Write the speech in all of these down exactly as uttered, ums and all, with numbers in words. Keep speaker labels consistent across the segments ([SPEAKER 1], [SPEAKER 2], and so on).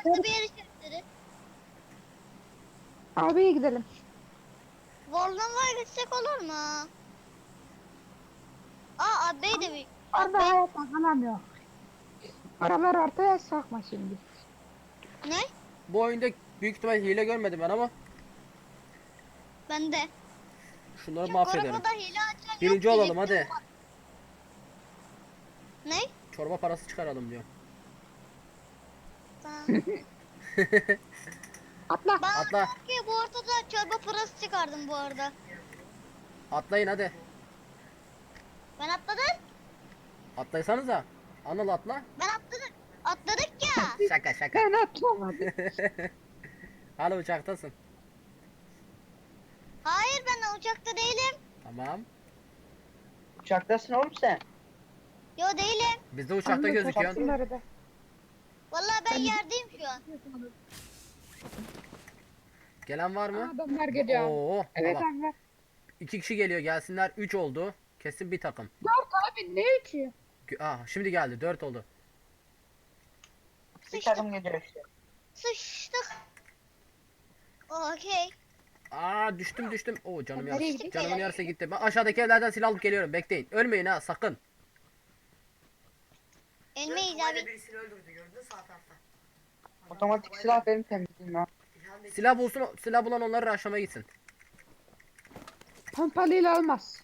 [SPEAKER 1] farklı bir yere çektiririz.
[SPEAKER 2] Abiye gidelim.
[SPEAKER 1] Warland'a gitsek olur mu? Aa abbey de bir.
[SPEAKER 2] Orada
[SPEAKER 1] Abbey
[SPEAKER 2] hayatta kalamıyor. Oralar ortaya sokma şimdi.
[SPEAKER 1] ne?
[SPEAKER 3] Bu oyunda büyük ihtimal hile görmedim ben ama
[SPEAKER 1] Bende.
[SPEAKER 3] şunları
[SPEAKER 1] Çünkü
[SPEAKER 3] mahvederim.
[SPEAKER 1] arabada hile açan yok
[SPEAKER 3] Birinci olalım
[SPEAKER 1] diyecektim.
[SPEAKER 3] hadi.
[SPEAKER 1] Ne?
[SPEAKER 3] Çorba parası çıkaralım diyor.
[SPEAKER 1] Tamam.
[SPEAKER 2] Atla.
[SPEAKER 1] Ben
[SPEAKER 3] Atla.
[SPEAKER 1] ki bu ortada çorba parası çıkardım bu arada.
[SPEAKER 3] Atlayın hadi.
[SPEAKER 1] Ben atladım.
[SPEAKER 3] Atlaysanıza. Anıl atla.
[SPEAKER 1] Ben atladım. Atladık ya.
[SPEAKER 3] Şaka şaka.
[SPEAKER 2] Ben atlamadım.
[SPEAKER 3] Hala uçaktasın.
[SPEAKER 1] Hayır ben uçakta değilim.
[SPEAKER 3] Tamam.
[SPEAKER 4] Uçaktasın oğlum sen.
[SPEAKER 1] Yo değilim.
[SPEAKER 3] Biz de uçakta
[SPEAKER 2] Anlı
[SPEAKER 3] gözüküyorsun.
[SPEAKER 2] kapısınları da.
[SPEAKER 1] Vallahi ben yerdeyim şu an.
[SPEAKER 3] Gelen var mı?
[SPEAKER 2] Adamlar geliyor.
[SPEAKER 3] Oo,
[SPEAKER 2] Evet
[SPEAKER 3] tamam.
[SPEAKER 2] abi.
[SPEAKER 3] İki kişi geliyor gelsinler. Üç oldu. Kesin bir takım.
[SPEAKER 2] Dört abi ne üçü?
[SPEAKER 3] Gö- Aa, şimdi geldi. Dört oldu.
[SPEAKER 4] Bir
[SPEAKER 1] Sıçtık.
[SPEAKER 4] takım geliyor işte.
[SPEAKER 1] Sıçtık. Okey.
[SPEAKER 3] Aa düştüm düştüm. Oo canım
[SPEAKER 2] Nereye
[SPEAKER 3] yarısı.
[SPEAKER 2] gidiyor?
[SPEAKER 3] Canımın yarısı gitti. Ben aşağıdaki evlerden silah alıp geliyorum. Bekleyin. Ölmeyin ha sakın.
[SPEAKER 1] Elmeyiz abi.
[SPEAKER 5] Birisini öldürdü gördün sağ tarafta.
[SPEAKER 4] Otomatik silah benim temizliğim ya.
[SPEAKER 5] İlhan
[SPEAKER 3] Silah bulsun. Silah bulan onları aşağıya gitsin.
[SPEAKER 2] Pompalıyla olmaz.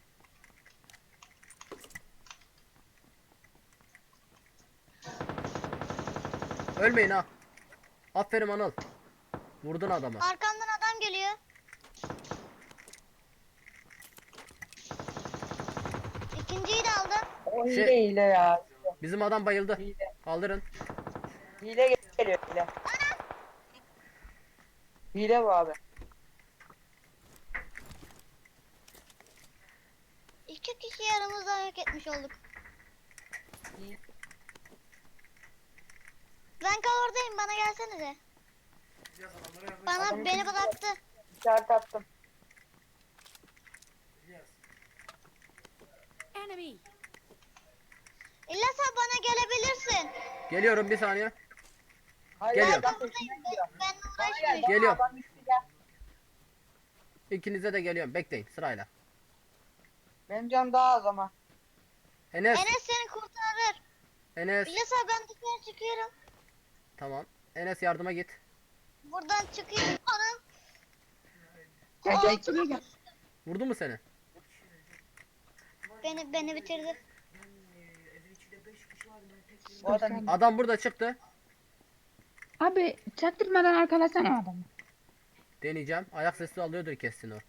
[SPEAKER 3] Ölmeyin ha. Aferin Anıl. Vurdun adamı.
[SPEAKER 1] Arkamdan adam geliyor. İkinciyi de aldım.
[SPEAKER 4] O
[SPEAKER 3] Şey-
[SPEAKER 4] hile hile ya.
[SPEAKER 3] Bizim adam bayıldı.
[SPEAKER 4] Hile.
[SPEAKER 3] Kaldırın.
[SPEAKER 4] Hile geliyor hile. Hile bu abi.
[SPEAKER 1] İki kişi aramızda yok etmiş olduk. Ben kavurdayım bana gelsenize.
[SPEAKER 5] biraz adamlara yardım
[SPEAKER 1] Bana
[SPEAKER 4] Adamı
[SPEAKER 1] beni
[SPEAKER 4] kim-
[SPEAKER 1] bıraktı.
[SPEAKER 4] İşaret attım.
[SPEAKER 5] edeceğiz.
[SPEAKER 6] Enemy.
[SPEAKER 1] İlla sen bana gelebilirsin.
[SPEAKER 3] Geliyorum bir saniye.
[SPEAKER 4] Hayır
[SPEAKER 3] Geliyorum.
[SPEAKER 4] adam peşinden gidiyor.
[SPEAKER 1] Ben, ben
[SPEAKER 4] Bana gel,
[SPEAKER 1] uğraşmayacağım.
[SPEAKER 4] bana
[SPEAKER 3] Geliyorum.
[SPEAKER 4] adam üstü gel.
[SPEAKER 3] İkinize de geliyorum. Bekleyin sırayla.
[SPEAKER 4] Benim canım daha az ama.
[SPEAKER 3] Enes.
[SPEAKER 1] Enes seni kurtarır.
[SPEAKER 3] Enes.
[SPEAKER 1] İlla sen ben dışarı çıkıyorum.
[SPEAKER 3] Tamam. Enes yardıma git.
[SPEAKER 1] Buradan çıkayım. Anam.
[SPEAKER 2] Gel
[SPEAKER 1] Aa,
[SPEAKER 2] gel içine gel.
[SPEAKER 3] Vurdu mu seni?
[SPEAKER 1] Beni beni bitirdi.
[SPEAKER 5] Ben e, evin içinde beş kişi var ben tek yerim.
[SPEAKER 4] Bu adam
[SPEAKER 3] Adam burada çıktı.
[SPEAKER 2] Abi çaktırmadan arkalasana adamı.
[SPEAKER 3] Deneyeceğim. Ayak sesi alıyordur kesin o.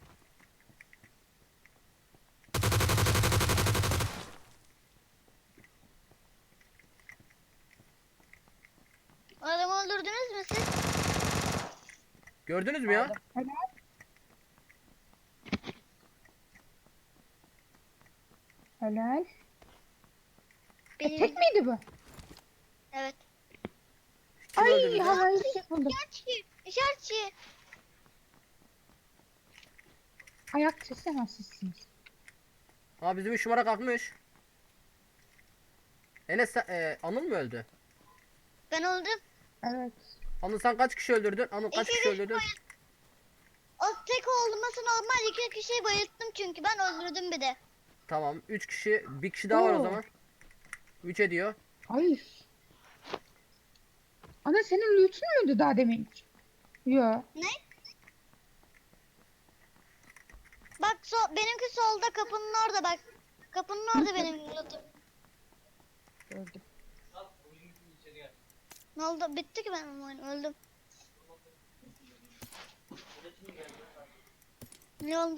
[SPEAKER 1] Adamı öldürdünüz mü siz?
[SPEAKER 3] Gördünüz mü ya?
[SPEAKER 4] Aldım.
[SPEAKER 2] Helal. E,
[SPEAKER 1] Benim.
[SPEAKER 2] tek miydi bu?
[SPEAKER 1] Evet.
[SPEAKER 3] Kim
[SPEAKER 2] Ay
[SPEAKER 3] öldürdü?
[SPEAKER 2] havayı şey buldum.
[SPEAKER 1] İşaretçi. İşaretçi.
[SPEAKER 2] Ayak sesi ama sizsiniz.
[SPEAKER 3] Ha bizim üç numara kalkmış. Enes sen, e, Anıl mı öldü?
[SPEAKER 1] Ben öldüm.
[SPEAKER 2] Evet.
[SPEAKER 3] Anıl sen kaç kişi öldürdün? Anıl kaç
[SPEAKER 1] İki
[SPEAKER 3] kişi
[SPEAKER 1] kişi
[SPEAKER 3] öldürdün?
[SPEAKER 1] O tek olması normal. İki kişiyi bayılttım çünkü ben öldürdüm bir de.
[SPEAKER 3] Tamam. Üç kişi. Bir kişi daha var o
[SPEAKER 2] Oo.
[SPEAKER 3] zaman. Üç ediyor.
[SPEAKER 2] Hayır. Ana senin loot'un muydu daha demin? Yo.
[SPEAKER 1] Ne? Bak so benimki solda kapının orada bak. Kapının orada benim lootum.
[SPEAKER 2] Gördüm.
[SPEAKER 1] Ne oldu? Bitti ki benim oyun. Öldüm. Ne oldu?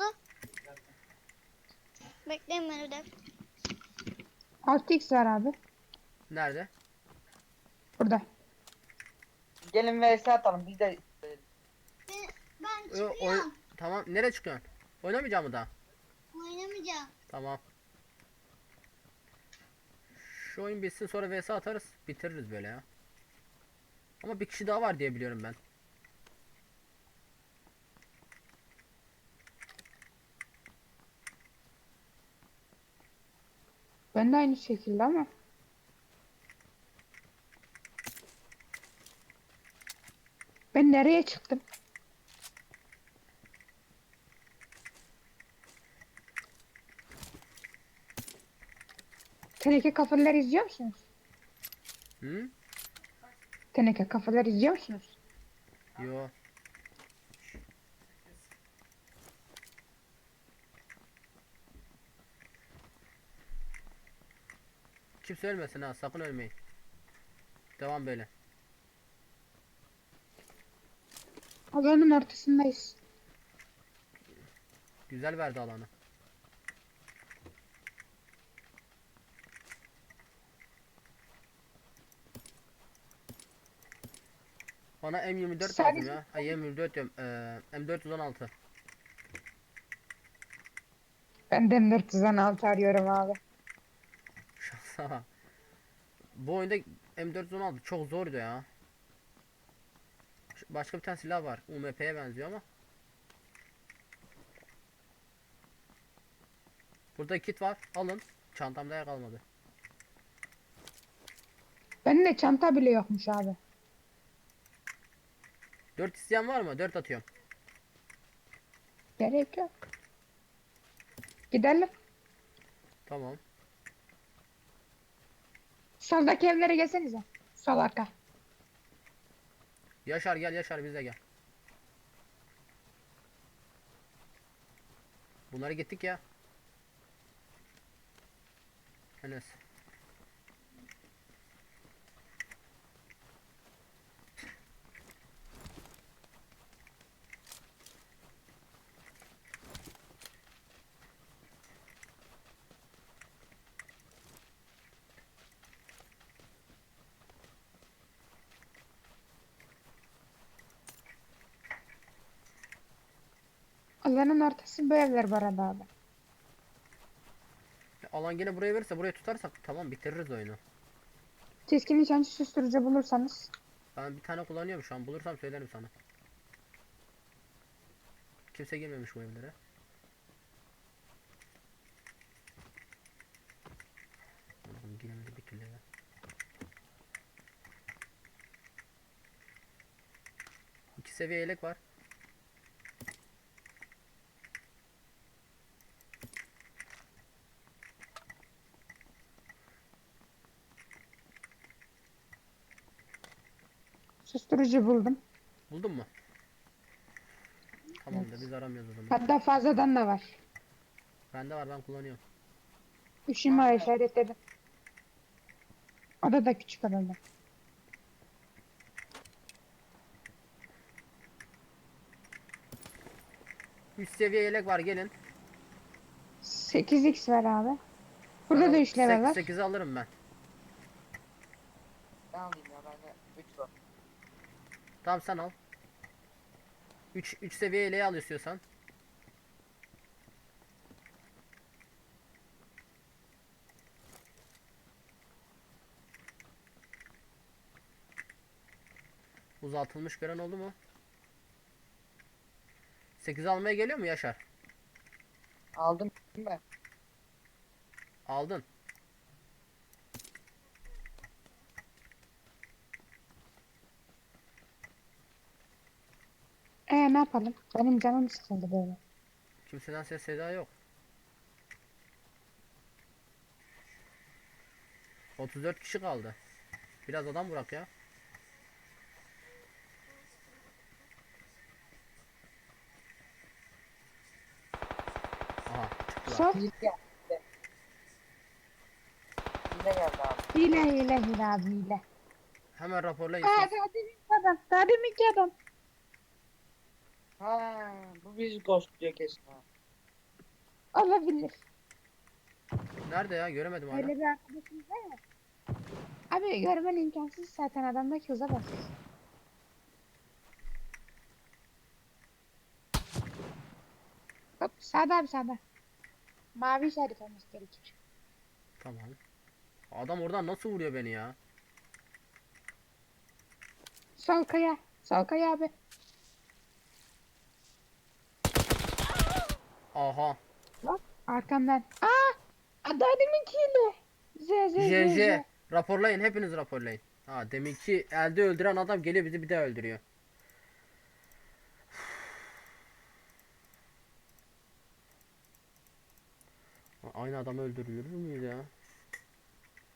[SPEAKER 1] Bekleyin beni de.
[SPEAKER 2] altı x var abi.
[SPEAKER 3] Nerede?
[SPEAKER 2] Burada.
[SPEAKER 4] Gelin vs atalım biz de.
[SPEAKER 1] Ben, ben
[SPEAKER 3] Yo,
[SPEAKER 1] çıkıyorum.
[SPEAKER 3] oy- Tamam. Nereye çıkıyorsun? Oynamayacağım mı daha?
[SPEAKER 1] Oynamayacağım.
[SPEAKER 3] Tamam. Şu oyun bitsin sonra V S atarız. Bitiririz böyle ya. Ama bir kişi daha var diye biliyorum ben.
[SPEAKER 2] Ben de aynı şekilde ama. Ben nereye çıktım? Teneke kafaları izliyor musunuz?
[SPEAKER 3] Hı?
[SPEAKER 2] Teneke kafaları izliyor musunuz?
[SPEAKER 3] Yo. Kimse ölmesin ha, sakın ölmeyin. Devam böyle.
[SPEAKER 2] Alanın ortasındayız.
[SPEAKER 3] Güzel verdi alanı. Bana M yirmi dört lazım
[SPEAKER 2] Sadece-
[SPEAKER 3] ya. Ay M yirmi dört diyorum. Ee, M dört yüz on altı.
[SPEAKER 2] Ben de M dört yüz on altı arıyorum abi.
[SPEAKER 3] Şansa. Bu oyunda M dört yüz on altı çok zordu ya. Şu- Başka bir tane silah var. U M P'ye benziyor ama. Burada kit var. Alın. Çantamda yer kalmadı.
[SPEAKER 2] Bende çanta bile yokmuş abi.
[SPEAKER 3] dört isteyen var mı? dört atıyorum.
[SPEAKER 2] Gerek yok. Gidelim.
[SPEAKER 3] Tamam.
[SPEAKER 2] Soldaki evlere gelsenize. Sol arka.
[SPEAKER 3] Yaşar gel, Yaşar bize gel. Bunları gittik ya. Enes.
[SPEAKER 2] Alanın ortası bu evler bu arada abi.
[SPEAKER 3] Alan gene buraya verirse buraya tutarsak tamam bitiririz oyunu.
[SPEAKER 2] Keskin nişancı susturucu bulursanız.
[SPEAKER 3] Ben bir tane kullanıyorum şu an. Bulursam söylerim sana. Kimse girmemiş bu evlere. Allah'ım giremedi bir türlü ya. İki seviye yelek var.
[SPEAKER 2] Susturucu buldum.
[SPEAKER 3] Buldun mu? Tamamdır, biz aramıyoruz o zaman.
[SPEAKER 2] Hatta fazladan da var.
[SPEAKER 3] Bende var, ben kullanıyorum.
[SPEAKER 2] Üç numara işaretledim. Oda da küçük odada.
[SPEAKER 3] Üç seviye yelek var, gelin.
[SPEAKER 2] sekiz x var abi. Burada da üç level var.
[SPEAKER 3] sekizi alırım ben.
[SPEAKER 4] Ben alayım ya bende üç var.
[SPEAKER 3] Tamam sen al. üç üç seviye yeleği al istiyorsan. Uzatılmış gören oldu mu? sekiz almaya geliyor mu Yaşar?
[SPEAKER 4] Aldım ben.
[SPEAKER 3] Aldın.
[SPEAKER 2] Ee ne yapalım? Benim canım sıkıldı böyle.
[SPEAKER 3] Kimseden ses seda yok. otuz dört kişi kaldı. Biraz adam bırak ya. Aha çıktılar.
[SPEAKER 2] Sol.
[SPEAKER 4] Hile geldi. Hile geldi abi.
[SPEAKER 2] Hile hile hile abi hile.
[SPEAKER 3] Hemen raporlayın.
[SPEAKER 2] Aa
[SPEAKER 3] siz.
[SPEAKER 2] daha deminki adam. Daha deminki adam.
[SPEAKER 4] Ha, bu bizi ghostluyor kesin ha.
[SPEAKER 2] Olabilir.
[SPEAKER 3] Nerede ya? Göremedim hala.
[SPEAKER 2] Öyle bir arkadaşımız var ya. Abi görmen imkansız zaten adamdaki hıza bak. Hop sağda abi sağda. Mavi işaret olması gerekir.
[SPEAKER 3] Tamam. Adam oradan nasıl vuruyor beni ya?
[SPEAKER 2] Sol kaya. Sol kaya abi.
[SPEAKER 3] Aha.
[SPEAKER 2] Bak arkamdan. Aa! Daha deminkiyle. Z Z Z
[SPEAKER 3] J
[SPEAKER 2] Z.
[SPEAKER 3] J. Raporlayın. Hepiniz raporlayın. Ha deminki elde öldüren adam geliyor bizi bir daha öldürüyor. Aynı adamı öldürülür müyüz ya?